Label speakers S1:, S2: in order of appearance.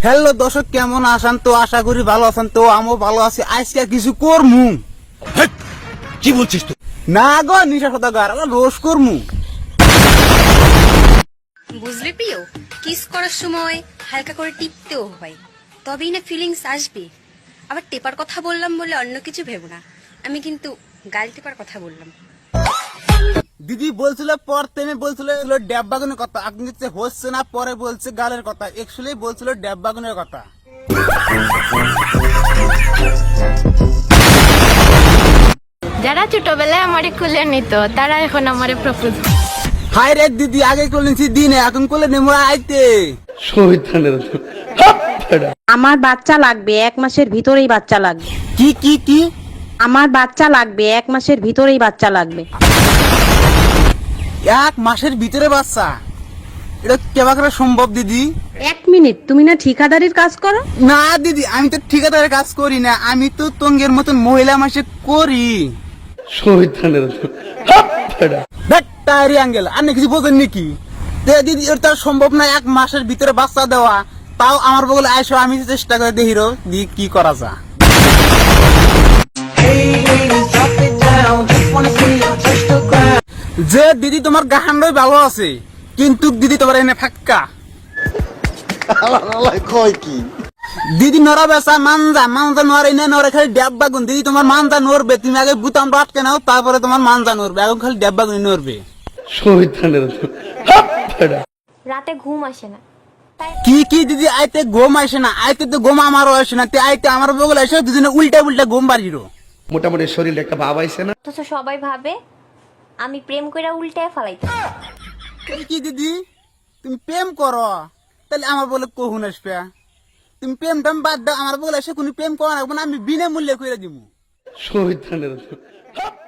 S1: Hello দর্শক, কেমন আছেন? তো আশা করি ভালো আছেন। তো আমিও ভালো আছি। আজকে কিছু করমু।
S2: কি বলছিস তুই?
S1: না গো, নিশা সদাগার রোজ করমু।
S3: বুঝলি প্রিয়, কিস করার সময় হালকা করে টিপতেও হয়, তবেই না ফিলিংস আসবে। আবার টেপার কথা বললাম বলে অন্য কিছু ভেবো না, আমি কিন্তু গাল টেপার কথা বললাম।
S1: দিদি বলছিল পর তেমনি বলছিল ড্যাব বাগুনের কথা, আপনি হচ্ছে না, পরে বলছে গালের কথা। অ্যাকচুয়ালি বলছিল ড্যাব বাগুনের কথা।
S4: যারা ছোটবেলায় আমারে খুলে নিত তারা এখন আমারে প্রপোজ।
S1: হাই রে দিদি, আগে করলেন দিনে, এখন করলে নেমো আইতে।
S5: আমার বাচ্চা লাগবে, 1 মাসের ভিতরেই বাচ্চা লাগবে।
S1: কি কি কি?
S5: আমার বাচ্চা লাগবে, 1 মাসের ভিতরেই বাচ্চা লাগবে।
S1: 1 মাসের ভিতরে বাচ্চা? এটা কেবা করে সম্ভব দিদি?
S5: 1 মিনিট, তুমি না ঠিকাদারির কাজ করো?
S1: না দিদি, আমি তো ঠিকাদারের কাজ করি না, আমি তো তঙ্গের মতন মহিলা মাসে করি। আঙ্গেল আর কিছু বোঝেন নাকি? দিদি এটা সম্ভব না 1 মাসের ভিতরে বাচ্চা দেওয়া। তাও আমার বগলে আইসো, আমি চেষ্টা করে দেখি দি কি করা যায়। যে দিদি তোমার গাহান্ডই ভালো আছে, কিন্তু দিদি তোমার এনে ফাক্কা। দিদি নরা বেসা মানজা মানজা নরে না, নরে খালি ড্যাব্বা গুন। দিদি তোমার মানজা নড়বে, তুমি আগে বুতাম আটকে নাও, তারপরে তোমার মানজা নড়বে। এখন খালি ড্যাব্বা গুন নড়বে।
S4: রাতে ঘুম আসে না।
S1: কি কি দিদি, আইতে ঘুম আসে না? আইতে তো ঘুম আমারও আসে না। তে আইতে আমার বগলে এসে দুজনে উল্টা উল্টা ঘুম বাড়িরো।
S2: মোটামুটি শরীরে একটা ভাব আইছে না?
S4: অথচ সবাই ভাবে আমি প্রেম কইরা উল্টায় ফালাইতে।
S1: কি কি দিদি, তুমি প্রেম করো? তাহলে আমার বলে কহুন আসবে? তুমি প্রেম টাম বাদ দাও, আমার বলে এসে কোন প্রেম করা না, আমি বিনামূল্যে করে দিব।